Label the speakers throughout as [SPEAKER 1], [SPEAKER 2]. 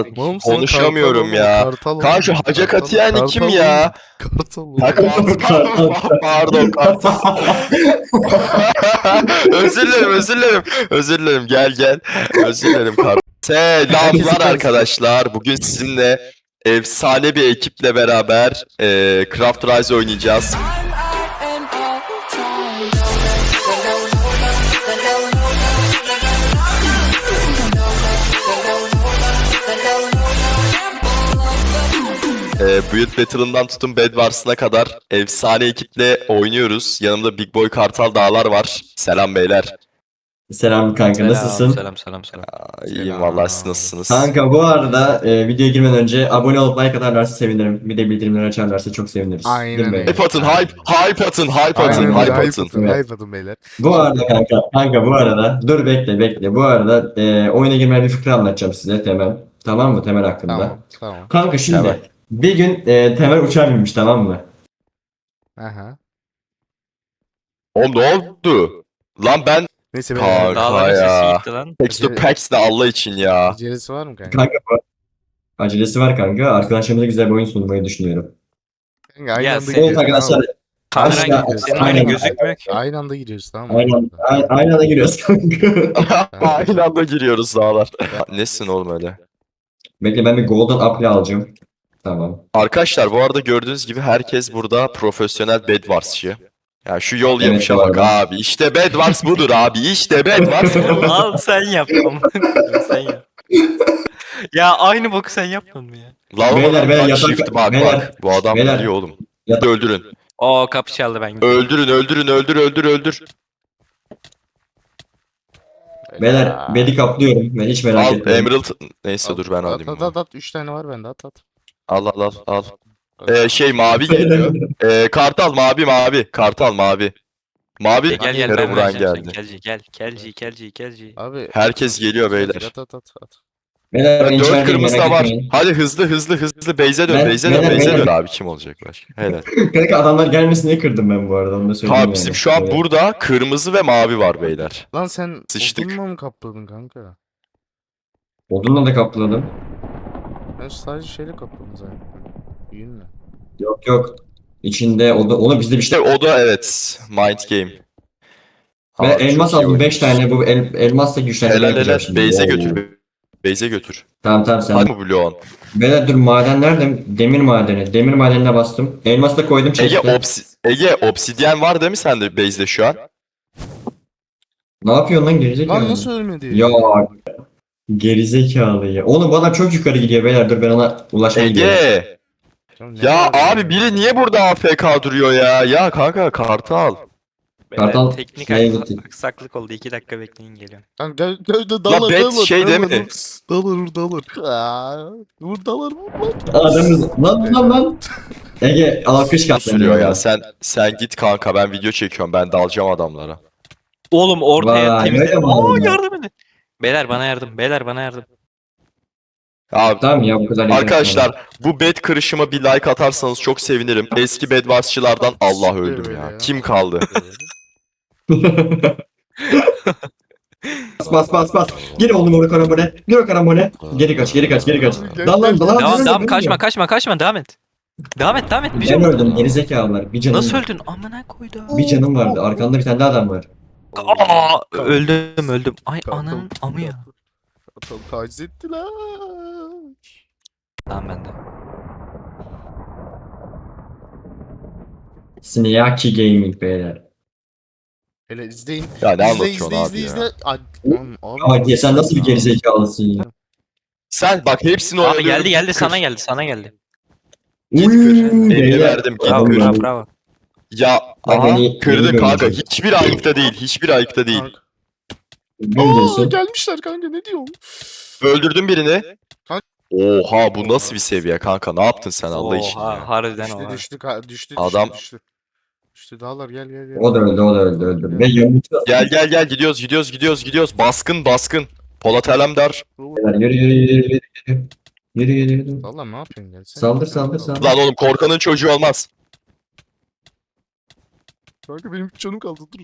[SPEAKER 1] Oğlum sen
[SPEAKER 2] Konuşamıyorum
[SPEAKER 1] kartal
[SPEAKER 2] ya.
[SPEAKER 1] ol, kartal ol.
[SPEAKER 2] Kanka şu Hacı
[SPEAKER 1] Kartal ol,
[SPEAKER 2] Katiyani kim
[SPEAKER 1] kartal
[SPEAKER 2] ya?
[SPEAKER 1] ol. Kartal ol.
[SPEAKER 2] Ha, pardon kartal. Özür dilerim, özür dilerim. Özür dilerim, gel gel. Özür dilerim kartal. Selamlar arkadaşlar. Bugün sizinle efsane bir ekiple beraber Craft Rise oynayacağız. Build Battle'ından tutun Bed Wars'ına kadar efsane ekiple oynuyoruz. Yanımda Big Boy Kartal Dağlar var. Selam beyler.
[SPEAKER 3] Selam kanka, nasılsın?
[SPEAKER 4] Selam.
[SPEAKER 2] İyiyim vallahi, siz nasılsınız?
[SPEAKER 3] Kanka bu arada videoya girmeden önce abone olup like atarlarsa sevinirim. Bir de bildirimleri açarlarsa çok seviniriz.
[SPEAKER 1] Aynen
[SPEAKER 3] Değil mi?
[SPEAKER 1] öyle.
[SPEAKER 2] Hype atın, hype atın, hype atın,
[SPEAKER 1] Aynen
[SPEAKER 2] hype
[SPEAKER 1] öyle.
[SPEAKER 2] atın.
[SPEAKER 1] Hype atın beyler.
[SPEAKER 3] Bu arada kanka bu arada dur bekle. Bu arada oyuna girmeden bir fıkra anlatacağım size Temel. Tamam mı Temel hakkında?
[SPEAKER 1] Tamam.
[SPEAKER 3] Kanka şimdi
[SPEAKER 2] Tamam.
[SPEAKER 3] bir gün Temel uçağa binmiş, tamam mı?
[SPEAKER 1] Aha.
[SPEAKER 2] Oğlum ne oldu? Lan ben
[SPEAKER 1] Neyse
[SPEAKER 2] Kanka
[SPEAKER 1] beyler.
[SPEAKER 4] Dağların
[SPEAKER 2] ya.
[SPEAKER 4] sesi gitti lan.
[SPEAKER 2] Texto Packs de Allah için ya.
[SPEAKER 1] Acelesi var mı kanka?
[SPEAKER 3] Kanka acelesi var kanka. Arkadaşlarımıza güzel bir oyun sunmayı düşünüyorum.
[SPEAKER 1] Kanka aynı
[SPEAKER 4] Ya
[SPEAKER 1] anda
[SPEAKER 4] sen-
[SPEAKER 3] Evet
[SPEAKER 1] giriyoruz.
[SPEAKER 3] arkadaşlar
[SPEAKER 4] Kameran
[SPEAKER 3] Aynen,
[SPEAKER 4] gitti. Senin
[SPEAKER 3] aynen.
[SPEAKER 4] oyunun gözükmüyor ki.
[SPEAKER 1] Aynı anda giriyoruz, tamam mı?
[SPEAKER 3] aynı anda giriyoruz kanka.
[SPEAKER 2] Aynı anda giriyoruz dağlar. Nesin oğlum öyle?
[SPEAKER 3] Bekle, ben bir Golden Apple alacağım. Tamam.
[SPEAKER 2] Arkadaşlar bu arada gördüğünüz gibi herkes burada profesyonel Bed Wars'çı. Ya şu yol
[SPEAKER 3] Evet,
[SPEAKER 2] yapışa
[SPEAKER 3] bu
[SPEAKER 2] bak
[SPEAKER 3] arada.
[SPEAKER 2] abi. İşte Bed Wars budur abi. İşte Bed Wars budur.
[SPEAKER 4] Al sen yap. Sen yap. Ya aynı boku sen yapmadın mı ya?
[SPEAKER 2] Lan
[SPEAKER 3] Beyler,
[SPEAKER 2] bak
[SPEAKER 3] yatak-
[SPEAKER 2] shift bak
[SPEAKER 3] beyler,
[SPEAKER 2] bak. Bu adam
[SPEAKER 3] beyler.
[SPEAKER 2] biliyor oğlum.
[SPEAKER 3] Yatak-
[SPEAKER 2] Öldürün.
[SPEAKER 4] Oo kapı çaldı ben gidiyorum.
[SPEAKER 2] Öldür.
[SPEAKER 3] Beyler bedi kaplıyorum. Ben hiç merak
[SPEAKER 2] Al
[SPEAKER 3] etmeyin.
[SPEAKER 2] Emerald. Neyse dur ben alayım. bunu.
[SPEAKER 1] At. 3 tane var bende, at.
[SPEAKER 2] Al. Şey mavi geliyor. Kartal mavi. Kartal mavi. Mavi
[SPEAKER 4] Gel
[SPEAKER 2] Kara
[SPEAKER 4] ben
[SPEAKER 2] vuran
[SPEAKER 4] vereceğim
[SPEAKER 2] geldi.
[SPEAKER 4] sen. Kelci.
[SPEAKER 1] Abi.
[SPEAKER 2] Herkes geliyor beyler.
[SPEAKER 1] At.
[SPEAKER 3] Beyler ben
[SPEAKER 2] 4
[SPEAKER 3] içerideyim,
[SPEAKER 2] kırmızı da
[SPEAKER 3] merak
[SPEAKER 2] var.
[SPEAKER 3] etmeyin.
[SPEAKER 2] Hadi hızlı. Beyze dön.
[SPEAKER 3] Ben-
[SPEAKER 2] Beyze
[SPEAKER 3] beyler.
[SPEAKER 2] dön. Abi kim olacak başka? Helal.
[SPEAKER 3] Kanka adamlar gelmesin diye kırdım ben bu arada, onu da söyleyeyim
[SPEAKER 2] Tamam
[SPEAKER 3] yani.
[SPEAKER 2] bizim şu an
[SPEAKER 3] Evet.
[SPEAKER 2] burada kırmızı ve mavi var beyler.
[SPEAKER 1] Lan sen
[SPEAKER 2] Sıçtık.
[SPEAKER 1] odunla mı kapladın kanka?
[SPEAKER 3] Odunla da kapladım.
[SPEAKER 1] Ben sadece şeyle kapladım zaten. Yünle.
[SPEAKER 3] Yok. İçinde onu bizde bir
[SPEAKER 2] İşte
[SPEAKER 3] şey.
[SPEAKER 2] o da evet. Mind game.
[SPEAKER 3] Ben
[SPEAKER 2] Abi,
[SPEAKER 3] elmas
[SPEAKER 2] çok iyi
[SPEAKER 3] aldım 5
[SPEAKER 2] oynuyorsun.
[SPEAKER 3] tane, bu elmasla güçlendirme
[SPEAKER 2] Helal
[SPEAKER 3] yapacağım şimdi.
[SPEAKER 2] Beyze
[SPEAKER 3] Oo.
[SPEAKER 2] götür. Beyze götür.
[SPEAKER 3] Tamam sen.
[SPEAKER 2] Hadi mi bloğun?
[SPEAKER 3] Beyler dur, maden nerede? Demir madeni. Demir madenine bastım. Elmas da koydum chest'e.
[SPEAKER 2] Ege obsidyen var değil mi sende base'de şu an?
[SPEAKER 3] Ne yapıyorsun lan gerizekalı?
[SPEAKER 1] Lan nasıl ölmedi?
[SPEAKER 3] Ya gerizekalı ya. Oğlum bu adam çok yukarı gidiyor beyler, dur ben ona ulaşmaya gidiyorum.
[SPEAKER 2] Ege!
[SPEAKER 1] Canım, ne
[SPEAKER 2] Ya
[SPEAKER 1] var
[SPEAKER 2] abi biri niye burada AFK duruyor ya? Ya kanka Kartal.
[SPEAKER 3] Kartal
[SPEAKER 4] Teknik
[SPEAKER 3] şeye gitti.
[SPEAKER 4] aksaklık oldu. 2 dakika bekleyin geliyorum.
[SPEAKER 1] Lan gel de dalar.
[SPEAKER 2] bet şey değil mi?
[SPEAKER 1] Dalar. Vur dalar.
[SPEAKER 3] Adamız lan. Ege alkış kalktı.
[SPEAKER 2] Sürüyor ya. Sen git kanka, ben video çekiyorum. Ben dalacağım adamlara.
[SPEAKER 4] Oğlum ortaya
[SPEAKER 3] Vay,
[SPEAKER 4] temizle.
[SPEAKER 3] öyle mi
[SPEAKER 4] Oo
[SPEAKER 3] oldu?
[SPEAKER 4] yardım edin. Beyler bana yardım.
[SPEAKER 2] Abi
[SPEAKER 3] Tamam ya, bu kadar yeter.
[SPEAKER 2] arkadaşlar bu bed kırışıma bir like atarsanız çok sevinirim. Eski bed warsçılardan Allah öldüm ya. Kim kaldı?
[SPEAKER 3] Bas. Gir oğlum oraya karambole. Gir o karambole. Geri kaç. Dal lan.
[SPEAKER 4] Devam kaçma devam et. Devam et bir
[SPEAKER 3] Ben
[SPEAKER 4] canım.
[SPEAKER 3] öldüm gerizekalılar. Bir canım.
[SPEAKER 4] Nasıl öldün? Amına koydum.
[SPEAKER 3] Bir canım vardı. Arkanda bir tane daha adam var.
[SPEAKER 4] Aa öldüm. Ay ananın amı ya.
[SPEAKER 1] Kartal taciz ettiler.
[SPEAKER 4] Tamam bende.
[SPEAKER 3] Sneaky Gaming beyler.
[SPEAKER 1] Hele izleyin.
[SPEAKER 2] Ya ne anlatıyorsun abi
[SPEAKER 1] İzle.
[SPEAKER 2] ya?
[SPEAKER 3] Ama sen nasıl bir gerizekalısın ya?
[SPEAKER 2] Sen bak hepsini
[SPEAKER 4] Abi
[SPEAKER 2] oyalıyorum.
[SPEAKER 4] geldi
[SPEAKER 2] Kır.
[SPEAKER 4] sana geldi.
[SPEAKER 2] Git kır. Elini
[SPEAKER 3] beyler.
[SPEAKER 2] verdim, git
[SPEAKER 4] Bravo
[SPEAKER 2] kır.
[SPEAKER 4] bravo.
[SPEAKER 2] Ya
[SPEAKER 3] Bak
[SPEAKER 2] aha,
[SPEAKER 3] beni-
[SPEAKER 2] kırdı
[SPEAKER 3] beni
[SPEAKER 2] kanka.
[SPEAKER 3] görecek.
[SPEAKER 2] Hiçbir ayıpta değil.
[SPEAKER 3] Ne
[SPEAKER 1] Aa
[SPEAKER 3] diyorsun?
[SPEAKER 1] gelmişler kanka, ne diyorsun?
[SPEAKER 2] Öldürdün birini.
[SPEAKER 1] Kanka-
[SPEAKER 2] Oha bu nasıl bir seviye kanka? Ne yaptın sen Allah için
[SPEAKER 4] Oha,
[SPEAKER 2] ya?
[SPEAKER 4] harbiden oha.
[SPEAKER 1] Düştü.
[SPEAKER 2] Adam-
[SPEAKER 1] Düştü dağlar, gel.
[SPEAKER 3] O da öldü. Ve yanımda
[SPEAKER 2] Gel gidiyoruz. Baskın. Polat Alemdar.
[SPEAKER 3] yürü.
[SPEAKER 1] Dağlar ne yapıyorsun, gelsene.
[SPEAKER 3] Saldır.
[SPEAKER 2] Lan oğlum korkanın çocuğu olmaz.
[SPEAKER 1] Kanka benim 3 canım kaldı, dur.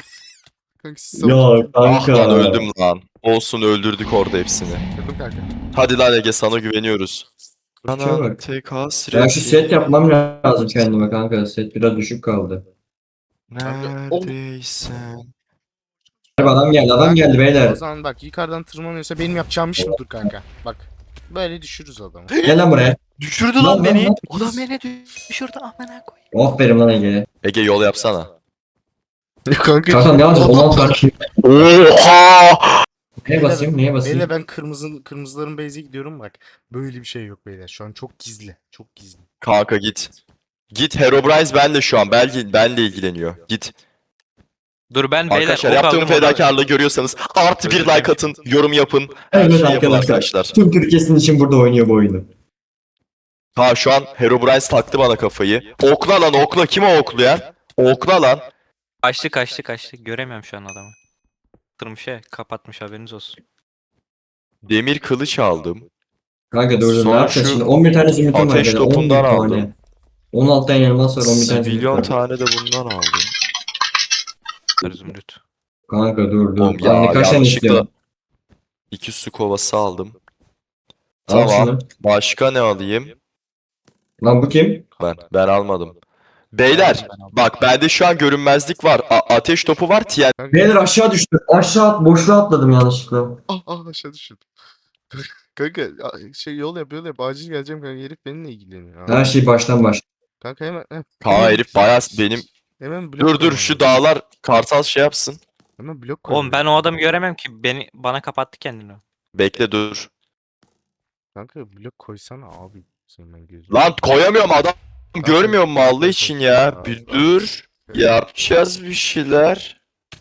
[SPEAKER 1] Kanka siz
[SPEAKER 3] Ya
[SPEAKER 2] Ah lan
[SPEAKER 3] kanka.
[SPEAKER 2] öldüm lan. Olsun öldürdük orada hepsini.
[SPEAKER 1] Kırdım kanka.
[SPEAKER 2] Hadi lan Ege sana güveniyoruz.
[SPEAKER 3] Şuna bak.
[SPEAKER 2] tek
[SPEAKER 3] Ya
[SPEAKER 2] hasret.
[SPEAKER 3] şu set yapmam lazım kendime kanka. Set biraz düşük kaldı.
[SPEAKER 2] Neredeysen.
[SPEAKER 3] Adam geldi
[SPEAKER 1] O
[SPEAKER 3] beyler.
[SPEAKER 1] zaman bak yukarıdan tırmanıyorsa benim yapacağım iş budur kanka. Bak. Böyle düşürürüz adamı.
[SPEAKER 3] Gel lan buraya.
[SPEAKER 4] Düşürdü
[SPEAKER 3] Lan,
[SPEAKER 4] lan beni.
[SPEAKER 3] lan.
[SPEAKER 4] Adam beni düşürdü amına koyayım.
[SPEAKER 3] Aferin lan Ege.
[SPEAKER 2] Ege yol yapsana.
[SPEAKER 1] kanka.
[SPEAKER 3] Kanka ne yapacağız? 16 tane.
[SPEAKER 2] Oha!
[SPEAKER 3] Neye basayım? Neye basayım?
[SPEAKER 1] Beyler ben kırmızıların base'e gidiyorum bak. Böyle bir şey yok beyler. Şu an çok gizli. Çok gizli.
[SPEAKER 2] Kanka git. Git Herobrine benle şu an. Benle ilgileniyor. Git.
[SPEAKER 4] Dur ben beyler
[SPEAKER 2] Arkadaşlar
[SPEAKER 4] ok
[SPEAKER 2] yaptığım
[SPEAKER 4] aldım ona.
[SPEAKER 2] fedakarlığı görüyorsanız artı bir like atın, yorum yapın. Her
[SPEAKER 3] Evet
[SPEAKER 2] şeyi yapın
[SPEAKER 3] arkadaşlar.
[SPEAKER 2] arkadaşlar.
[SPEAKER 3] Tüm Türkiye'sin için burada oynuyor bu oyunu.
[SPEAKER 2] Ha şu an Herobrine taktı bana kafayı. Okla lan okla. Kim o oklayan? Okla lan.
[SPEAKER 4] Kaçtı. Göremiyorum şu an adamı. Tırmışa kapatmış haberiniz olsun.
[SPEAKER 2] Demir kılıç aldım.
[SPEAKER 3] Kanka dur ne
[SPEAKER 2] Sonra
[SPEAKER 3] yapacağız
[SPEAKER 2] şu
[SPEAKER 3] şimdi? 11 tane zümrütüm var.
[SPEAKER 2] ateş
[SPEAKER 3] beyler, 11
[SPEAKER 2] topundan
[SPEAKER 3] tane.
[SPEAKER 2] aldım.
[SPEAKER 3] 16 tane elmas var 11 tane zümrüt
[SPEAKER 2] Zibilyon
[SPEAKER 3] var.
[SPEAKER 2] tane de bundan aldım.
[SPEAKER 4] Zümrüt.
[SPEAKER 3] Kanka dur.
[SPEAKER 2] Oğlum
[SPEAKER 3] Lan
[SPEAKER 2] ya
[SPEAKER 3] kaç tane
[SPEAKER 2] yanlışlıkla
[SPEAKER 3] istiyorsun?
[SPEAKER 2] 2 su kovası aldım.
[SPEAKER 3] Al
[SPEAKER 2] Tamam.
[SPEAKER 3] şunu.
[SPEAKER 2] Başka ne alayım?
[SPEAKER 3] Lan bu kim?
[SPEAKER 2] Ben almadım. Beyler bak bende şu an görünmezlik var. Ateş topu var.
[SPEAKER 1] Kanka.
[SPEAKER 3] Beyler aşağı düştü. Boşluğa atladım yanlışlıkla.
[SPEAKER 1] Aşağı düşürdüm. Kanka şey yol yap acil geleceğim kanka herif benimle ilgileniyor.
[SPEAKER 3] Her şey baştan baş.
[SPEAKER 1] Kanka hemen
[SPEAKER 2] Kaan herif bayağı benim.
[SPEAKER 1] hemen blok
[SPEAKER 2] Dur
[SPEAKER 1] koymam
[SPEAKER 2] şu
[SPEAKER 1] lazım.
[SPEAKER 2] dağlar kartal şey yapsın.
[SPEAKER 1] Hemen blok
[SPEAKER 4] Oğlum ben o adamı göremem ki bana kapattı kendini.
[SPEAKER 2] Bekle dur.
[SPEAKER 1] Kanka blok koysana abi. Senin ben gözüm.
[SPEAKER 2] Lan koyamıyorum adam. Görmüyor mu Allah için ya? Bir dur. Yapacağız bir şeyler.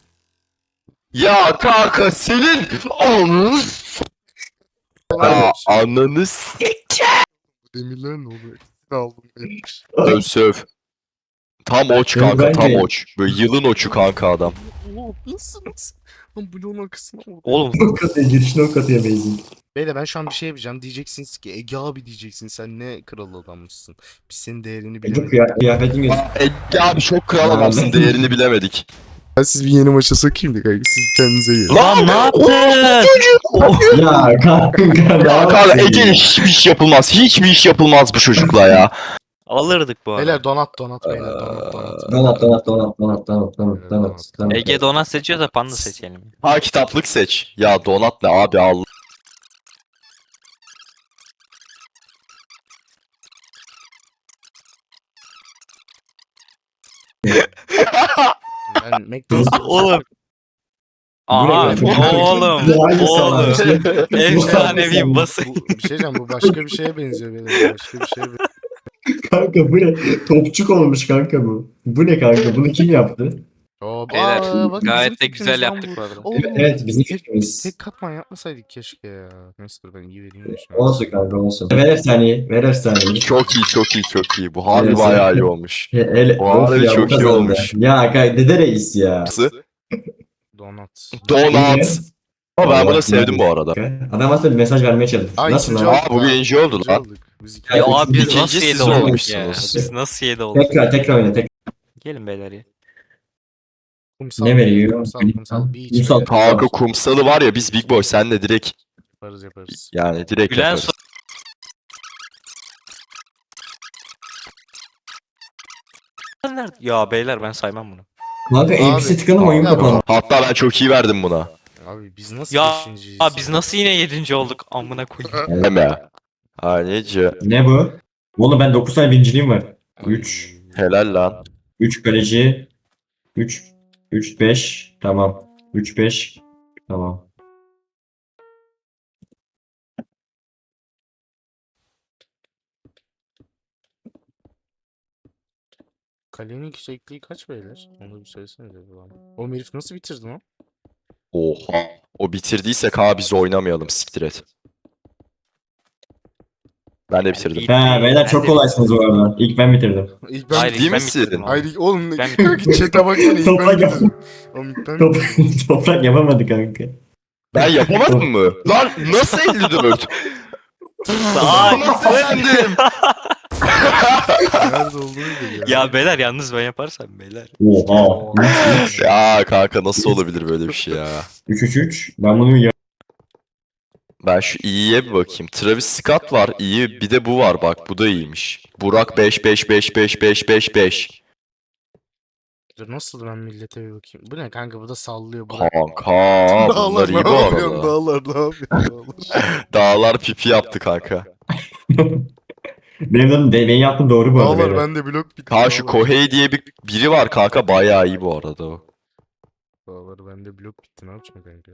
[SPEAKER 2] Ya kanka senin ananı ananı
[SPEAKER 1] Demirler ne oluyor? Aldım neymiş?
[SPEAKER 2] söv. Tam oç kanka
[SPEAKER 3] Ben
[SPEAKER 2] tam
[SPEAKER 3] de-
[SPEAKER 2] oç. Böyle yılın oçu kanka adam.
[SPEAKER 1] Oğlum nasılsınız? Lan bloğun arkasına vurdum.
[SPEAKER 4] Oğlum
[SPEAKER 3] O katıyor girişine o katıyor benzin.
[SPEAKER 1] Beyler ben şu an bir şey yapacağım. Diyeceksiniz ki Ege abi diyeceksin sen ne kral adammışsın. Biz senin değerini
[SPEAKER 3] Ege
[SPEAKER 1] bilemedik.
[SPEAKER 3] kıyafetin göz.
[SPEAKER 2] Ege abi çok kral adamsın değerini bilemedik.
[SPEAKER 1] Ben siz bir yeni maça sokayım da kanka siz kendinize gelin.
[SPEAKER 2] Lan
[SPEAKER 4] ne yaptın?
[SPEAKER 3] Ya kanka ne
[SPEAKER 2] Ya kanka
[SPEAKER 3] yapıyorsun
[SPEAKER 2] Ege
[SPEAKER 3] ya?
[SPEAKER 2] hiçbir iş yapılmaz. Hiçbir iş yapılmaz bu çocukla ya.
[SPEAKER 4] Alırdık bu arada.
[SPEAKER 1] Beyler donat beyler donat.
[SPEAKER 4] Ege donat seçiyorsa panda seçelim.
[SPEAKER 2] Ha kitaplık seç. Ya donat ne abi Allah.
[SPEAKER 1] Ben McDonald's
[SPEAKER 4] Oğlum.
[SPEAKER 3] Bu ne
[SPEAKER 4] Aha
[SPEAKER 3] ya?
[SPEAKER 4] oğlum.
[SPEAKER 3] Bu hangi salak?
[SPEAKER 4] Efsanevi basın.
[SPEAKER 1] bir şey diyeceğim bu başka bir şeye benziyor beyler. Başka bir şeye benziyor.
[SPEAKER 3] Kanka bu ne? Topçuk olmuş kanka bu. Bu ne kanka? Bunu kim yaptı?
[SPEAKER 4] Beyler
[SPEAKER 1] bak
[SPEAKER 4] gayet
[SPEAKER 1] bizim
[SPEAKER 4] de güzel
[SPEAKER 1] fikrimiz lan
[SPEAKER 4] yaptık
[SPEAKER 1] bu.
[SPEAKER 4] bu arada.
[SPEAKER 1] Oğlum,
[SPEAKER 3] Evet bizim
[SPEAKER 1] tek-
[SPEAKER 3] fikrimiz.
[SPEAKER 1] Tek katman yapmasaydık keşke ya. Neyse dur ben iyi vereyim de şu an.
[SPEAKER 3] Olsun kanka olsun. Ver efsaneyi. Ver efsaneyi.
[SPEAKER 2] Çok iyi. Bu harbi
[SPEAKER 3] Evet,
[SPEAKER 2] bayağı
[SPEAKER 3] evet.
[SPEAKER 2] iyi olmuş.
[SPEAKER 3] Bu
[SPEAKER 2] harbi çok iyi olmuş.
[SPEAKER 3] Ya kanka dede reis ya.
[SPEAKER 1] Donat.
[SPEAKER 2] Donat. Ama ben bunu
[SPEAKER 3] Vallahi
[SPEAKER 2] sevdim bu arada.
[SPEAKER 3] Adam aslında bir mesaj vermeye çalışmış.
[SPEAKER 1] Ay,
[SPEAKER 3] Nasıl
[SPEAKER 1] ikinci
[SPEAKER 3] lan?
[SPEAKER 1] olduk
[SPEAKER 2] Aa, bu
[SPEAKER 1] lan.
[SPEAKER 2] birinci oldu
[SPEAKER 1] İkinci
[SPEAKER 2] lan.
[SPEAKER 1] olduk. Biz iki-
[SPEAKER 4] Ya
[SPEAKER 3] üçüncü-
[SPEAKER 4] abi biz
[SPEAKER 2] ikinci
[SPEAKER 4] nasıl
[SPEAKER 2] siz
[SPEAKER 4] yedi olduk ya?
[SPEAKER 2] olmuşsunuz.
[SPEAKER 4] Biz nasıl yedi olduk?
[SPEAKER 3] Tekrar oyna.
[SPEAKER 4] Gelin beyler ya.
[SPEAKER 1] Kumsal,
[SPEAKER 3] Ne veriyor?
[SPEAKER 1] kumsal, beach
[SPEAKER 3] Kumsal.
[SPEAKER 1] beyler.
[SPEAKER 2] Kanka kumsalı var ya biz Big Boy senle direkt
[SPEAKER 1] Yaparız.
[SPEAKER 2] yani direkt
[SPEAKER 4] Gülen
[SPEAKER 2] yaparız.
[SPEAKER 4] Nerede? Ya beyler ben saymam bunu.
[SPEAKER 3] Kanka
[SPEAKER 1] Abi,
[SPEAKER 3] NPC tıkanım oyun
[SPEAKER 1] abi.
[SPEAKER 3] kapandı.
[SPEAKER 2] Hatta ben çok iyi verdim buna.
[SPEAKER 1] Abi biz nasıl
[SPEAKER 4] Ya
[SPEAKER 1] beşinciyiz?
[SPEAKER 4] biz nasıl yine 7. olduk amına koyayım.
[SPEAKER 2] Deme. Anneci.
[SPEAKER 3] Ne bu? Oğlum ben 9 tane birinciliğim var.
[SPEAKER 1] Ay,
[SPEAKER 3] 3.
[SPEAKER 2] Helal lan.
[SPEAKER 3] 3 kaleci. 3 5. Tamam. 3 5. Tamam.
[SPEAKER 1] Kalenin yüksekliği kaç beyler? Onu bir söylesenize. O herif nasıl bitirdi lan?
[SPEAKER 2] Oha. O bitirdiyse abi biz oynamayalım siktir et. Ben de bitirdim.
[SPEAKER 4] İyi.
[SPEAKER 3] Ha beyler çok
[SPEAKER 4] Ben de-
[SPEAKER 3] kolaysınız bu arada. İlk ben bitirdim.
[SPEAKER 1] İlk ben
[SPEAKER 4] Hayır,
[SPEAKER 2] Ciddi
[SPEAKER 4] ilk ben
[SPEAKER 2] misin?
[SPEAKER 4] bitirdim abi.
[SPEAKER 1] Hayır oğlum
[SPEAKER 4] Ben-
[SPEAKER 1] kanka chat'e baksana ilk ben
[SPEAKER 3] Toprak yap-
[SPEAKER 1] bitirdim. Oğlum ilk ben
[SPEAKER 3] Top, toprak yapamadı kanka.
[SPEAKER 2] Ben yapamadım mı? Lan nasıl 54?
[SPEAKER 4] Ay,
[SPEAKER 2] Nasıl yendim?
[SPEAKER 1] nerede olduğunu biliyor.
[SPEAKER 4] ya beyler yalnız ben yaparsam beyler.
[SPEAKER 3] Oha.
[SPEAKER 2] Ya kanka nasıl olabilir böyle bir şey ya?
[SPEAKER 3] 3 3 3. Ben bunu ya.
[SPEAKER 2] Ben şu iyiye bir bakayım. Travis Scott var iyi. Bir de bu var bak. Bu da iyiymiş. Burak 5 5 5 5 5 5 5.
[SPEAKER 1] Dur nasıl ben millete bir bakayım. Bu ne kanka bu da sallıyor. Bu
[SPEAKER 2] Kanka bunlar
[SPEAKER 1] Dağlar ne
[SPEAKER 2] iyi bu
[SPEAKER 1] yapıyorsun
[SPEAKER 2] arada.
[SPEAKER 1] dağlar ne yapıyorsun dağlar.
[SPEAKER 2] Dağlar pipi yaptı kanka.
[SPEAKER 3] Benim yaptığım doğru bu arada.
[SPEAKER 1] Dağlar
[SPEAKER 3] beyler.
[SPEAKER 1] bende blok bitti.
[SPEAKER 2] Ha şu
[SPEAKER 1] dağlar.
[SPEAKER 2] Kohei diye biri var kanka. Bayağı iyi bu arada o.
[SPEAKER 1] Dağlar bende blok bitti ne yapacağım kanka.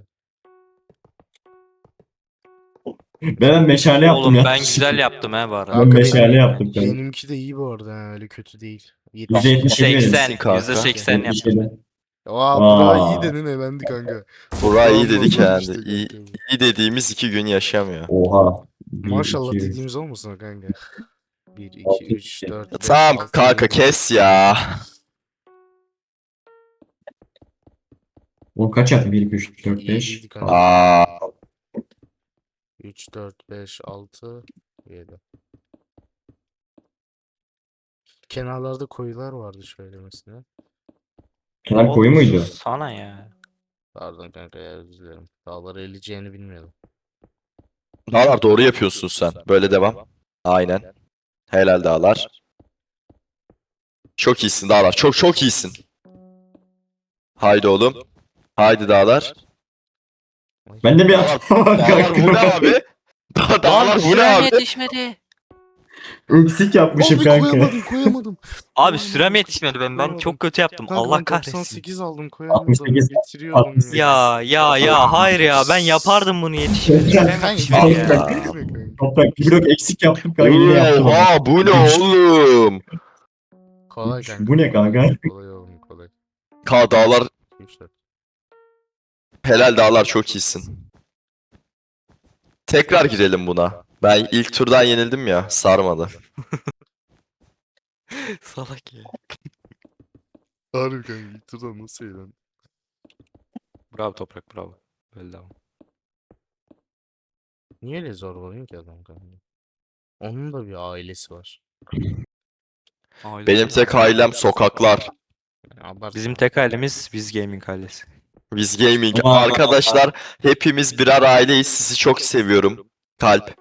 [SPEAKER 3] Ben meşale yaptım
[SPEAKER 4] Oğlum
[SPEAKER 3] ya.
[SPEAKER 4] ben güzel yaptım ha bu arada.
[SPEAKER 3] Ben
[SPEAKER 1] Kanka
[SPEAKER 3] meşale
[SPEAKER 1] benim-
[SPEAKER 3] yaptım kanka.
[SPEAKER 1] Benimki de iyi bu arada ha, öyle kötü değil.
[SPEAKER 3] %77
[SPEAKER 4] 80,
[SPEAKER 3] verin.
[SPEAKER 2] kanka.
[SPEAKER 4] %80 yaptım.
[SPEAKER 3] %77.
[SPEAKER 1] Aa
[SPEAKER 3] Aa.
[SPEAKER 1] Burak'ı iyi dedin elendi kanka.
[SPEAKER 2] Burak iyi
[SPEAKER 1] Toprağın
[SPEAKER 2] dedi
[SPEAKER 1] bozuldu
[SPEAKER 2] kendi.
[SPEAKER 1] işte
[SPEAKER 2] İyi,
[SPEAKER 1] kanka.
[SPEAKER 2] iyi dediğimiz 2 gün yaşamıyor.
[SPEAKER 3] Oha.
[SPEAKER 1] Maşallah
[SPEAKER 3] 1, 2,
[SPEAKER 1] dediğimiz olmasın o kanka. 1, 2,
[SPEAKER 3] Altı,
[SPEAKER 1] 3,
[SPEAKER 3] iki.
[SPEAKER 1] 4, 5,
[SPEAKER 2] Tamam
[SPEAKER 1] 6,
[SPEAKER 2] kanka
[SPEAKER 1] 7.
[SPEAKER 2] kes ya.
[SPEAKER 3] O kaç yaptı? 1, 2, 3, 4, 5.
[SPEAKER 1] İyiydi kanka.
[SPEAKER 2] Aa,
[SPEAKER 1] 3, 4, 5, 6, 7. Kenarlarda koyular vardı şöyle mesela.
[SPEAKER 3] Kenar koyu muydu?
[SPEAKER 4] Sana ya.
[SPEAKER 1] Pardon kanka ya özür dilerim. Dağları eleyeceğini bilmiyordum.
[SPEAKER 2] Dağlar doğru yapıyorsun sen. Böyle devam. Aynen. Helal Dağlar. Çok iyisin Dağlar. Çok çok iyisin. Haydi oğlum. Haydi Dağlar.
[SPEAKER 3] Ben de bir hata var
[SPEAKER 2] Dağlar bu ne
[SPEAKER 3] kanka.
[SPEAKER 2] abi? Dağlar bu ne
[SPEAKER 4] Sürem
[SPEAKER 2] abi?
[SPEAKER 4] yetişmedi.
[SPEAKER 3] Eksik yapmışım
[SPEAKER 1] Abi
[SPEAKER 3] kanka.
[SPEAKER 1] koyamadım.
[SPEAKER 4] Abi sürem yetişmedi ben çok kötü yaptım.
[SPEAKER 1] Kanka
[SPEAKER 4] Allah
[SPEAKER 1] ben
[SPEAKER 4] kahretsin.
[SPEAKER 1] 98 aldım koyamadım.
[SPEAKER 3] 68,
[SPEAKER 1] Getiriyordum
[SPEAKER 3] 68.
[SPEAKER 4] Ya hayır ya ben yapardım bunu yetişmedi. Sürem
[SPEAKER 1] Kanka
[SPEAKER 4] yetişmedi ya.
[SPEAKER 3] Toprak bir blok eksik yaptım kanka yine yaptım. ama.
[SPEAKER 2] Oha bu ne oğlum?
[SPEAKER 1] Kolay kanka.
[SPEAKER 3] Bu ne kanka?
[SPEAKER 1] Kolay oğlum kolay.
[SPEAKER 2] Dağlar
[SPEAKER 1] 3, 4.
[SPEAKER 2] helal Dağlar çok iyisin. Tekrar girelim buna. Ben ilk turdan yenildim ya sarmadı.
[SPEAKER 4] Salak ya.
[SPEAKER 1] Harbi kanka ilk turdan nasıl eğlendin?
[SPEAKER 4] Bravo Toprak bravo. Böyle devam.
[SPEAKER 1] Niye öyle zorbalıyorsun ki adam kanka? Onun da bir ailesi var.
[SPEAKER 2] Benim tek ailem sokaklar.
[SPEAKER 1] Yani abartma.
[SPEAKER 4] Bizim tek ailemiz biz gaming ailesi.
[SPEAKER 2] Biz gaming.
[SPEAKER 3] Aa.
[SPEAKER 2] Arkadaşlar hepimiz birer aileyiz. Sizi çok seviyorum. Kalp.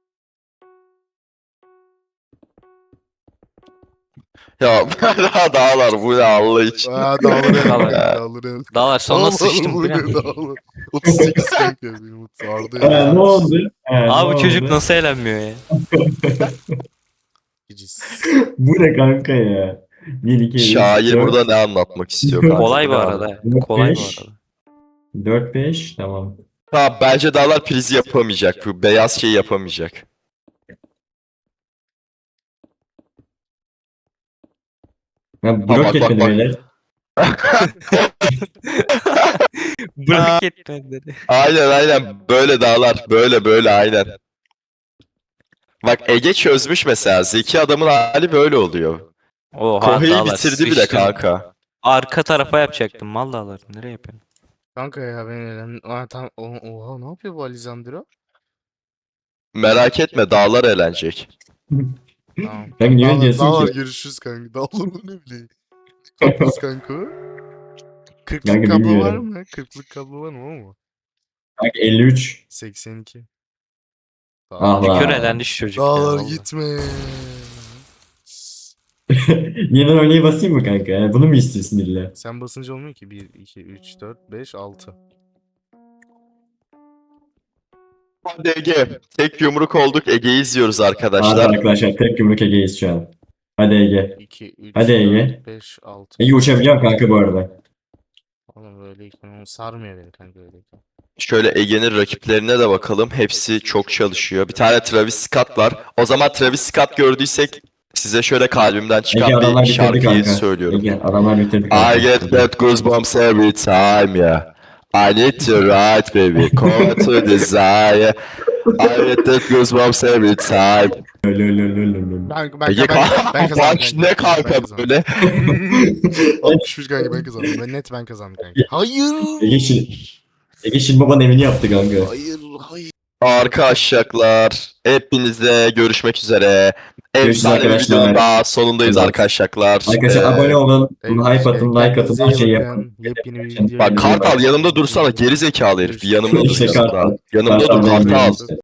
[SPEAKER 2] Ya Dağlar bu ne Allah için.
[SPEAKER 1] Aa dağları el.
[SPEAKER 4] Dağlar.
[SPEAKER 1] Dağları el.
[SPEAKER 4] Dağlar sonuna sıçtım bu ne?
[SPEAKER 1] Dağlar. 38 kanka benim sardı
[SPEAKER 3] Ha,
[SPEAKER 1] ya.
[SPEAKER 3] ne oldu? Ha,
[SPEAKER 4] Abi
[SPEAKER 3] ne
[SPEAKER 4] bu çocuk
[SPEAKER 3] oldu?
[SPEAKER 4] nasıl eğlenmiyor ya?
[SPEAKER 1] Cicis.
[SPEAKER 3] Bu ne kanka ya? 1, 2, 3,
[SPEAKER 2] Şair
[SPEAKER 3] 4,
[SPEAKER 2] burada ne anlatmak istiyor kanka?
[SPEAKER 4] Kolay
[SPEAKER 2] Bu
[SPEAKER 4] bu
[SPEAKER 2] ne
[SPEAKER 4] arada.
[SPEAKER 2] abi?
[SPEAKER 4] Kolay bu
[SPEAKER 3] Beş.
[SPEAKER 4] arada.
[SPEAKER 3] 4, 5 tamam.
[SPEAKER 2] Tamam bence Dağlar prizi yapamayacak. Bu beyaz şeyi yapamayacak.
[SPEAKER 3] Ya
[SPEAKER 2] bak,
[SPEAKER 3] blok
[SPEAKER 2] bak,
[SPEAKER 3] yetmedi
[SPEAKER 2] bak.
[SPEAKER 3] beyler.
[SPEAKER 4] Bırak etmedi dedi.
[SPEAKER 2] Aynen böyle Dağlar. Böyle aynen. Bak Ege çözmüş mesela. Zeki adamın hali böyle oluyor.
[SPEAKER 4] Oha
[SPEAKER 2] Kohei'yi
[SPEAKER 4] Dağlar
[SPEAKER 2] bitirdi bile
[SPEAKER 4] sıçtın.
[SPEAKER 2] kanka.
[SPEAKER 4] Arka tarafa yapacaktım mal Dağlar. Nereye yapıyorsun?
[SPEAKER 1] Kanka ya ben eğlendim. Aa tamam. Oha ne yapıyor bu Alisandro?
[SPEAKER 2] Merak etme Dağlar eğlenecek.
[SPEAKER 1] Tamam.
[SPEAKER 3] Kanka niye öyle diyorsun
[SPEAKER 1] Dağlar
[SPEAKER 3] ki?
[SPEAKER 1] görüşürüz kanka. Dağlar bu ne bileyim. Kablosuz kanka o. 40'lık
[SPEAKER 3] Kanka
[SPEAKER 1] kablo var
[SPEAKER 3] bilmiyorum.
[SPEAKER 1] mı? 40'lık kablo var mı o mu?
[SPEAKER 3] Kanka 53.
[SPEAKER 1] 82.
[SPEAKER 3] Ah
[SPEAKER 4] Şükür
[SPEAKER 3] lan.
[SPEAKER 4] elendi şu çocuk ya.
[SPEAKER 1] Dağlar
[SPEAKER 4] vallahi.
[SPEAKER 1] gitme.
[SPEAKER 3] Yeniden oynayı basayım mı kanka? Yani bunu mu istiyorsun illa?
[SPEAKER 1] Sen basınca olmuyor ki. 1, 2, 3, 4, 5, 6.
[SPEAKER 2] Hadi Ege. Tek yumruk olduk. Ege'yi izliyoruz
[SPEAKER 3] Hadi
[SPEAKER 2] arkadaşlar.
[SPEAKER 3] arkadaşlar tek yumruk Ege'yiz şu an. Hadi Ege.
[SPEAKER 1] 2, 3,
[SPEAKER 3] Hadi Ege.
[SPEAKER 1] 4, 5, 6.
[SPEAKER 3] Ege uçabiliyorum kanka bu arada.
[SPEAKER 1] Oğlum böyleyken onu sarmıyor beni kanka öyleyken.
[SPEAKER 2] Şöyle Ege'nin rakiplerine de bakalım. Hepsi çok çalışıyor. Bir tane Travis Scott var. O zaman Travis Scott gördüysek size şöyle kalbimden
[SPEAKER 3] Ege
[SPEAKER 2] çıkan
[SPEAKER 3] adamlar
[SPEAKER 2] bir
[SPEAKER 3] bitirdi
[SPEAKER 2] şarkıyı
[SPEAKER 3] kanka.
[SPEAKER 2] söylüyorum.
[SPEAKER 3] Ege adamlar bitirdi kanka.
[SPEAKER 2] I get that goosebumps every time, yeah. I need to ride, baby. Come to desire. I get that goosebumps every time.
[SPEAKER 3] Lölölölölölö.
[SPEAKER 1] Ben
[SPEAKER 2] Ege
[SPEAKER 1] kazandım
[SPEAKER 2] Baş ne kanka böyle?
[SPEAKER 1] 63 kanka ben kazandım. Ben net ben kazandım kanka. Hayır.
[SPEAKER 3] Ege şimdi babanın evini yaptı kanka.
[SPEAKER 1] Hayır.
[SPEAKER 2] Arkadaşlar hepinize görüşmek üzere.
[SPEAKER 3] Görüşürüz
[SPEAKER 2] Efsane bir
[SPEAKER 3] arkadaşlar.
[SPEAKER 2] videonun daha sonundayız
[SPEAKER 3] Evet.
[SPEAKER 2] arkadaşlar.
[SPEAKER 3] Arkadaşlar abone olun, hype atın, like atın, her şeyi yapın.
[SPEAKER 1] Yepyeni bir
[SPEAKER 3] Bak,
[SPEAKER 1] video.
[SPEAKER 2] Bak Kartal yanımda dursana geri zekalı herif. Bir yanımda dur
[SPEAKER 3] İşte
[SPEAKER 2] yanımda.
[SPEAKER 3] Kartal.
[SPEAKER 2] Yanımda dur
[SPEAKER 3] Kartal benim
[SPEAKER 2] Kartal.
[SPEAKER 3] işte.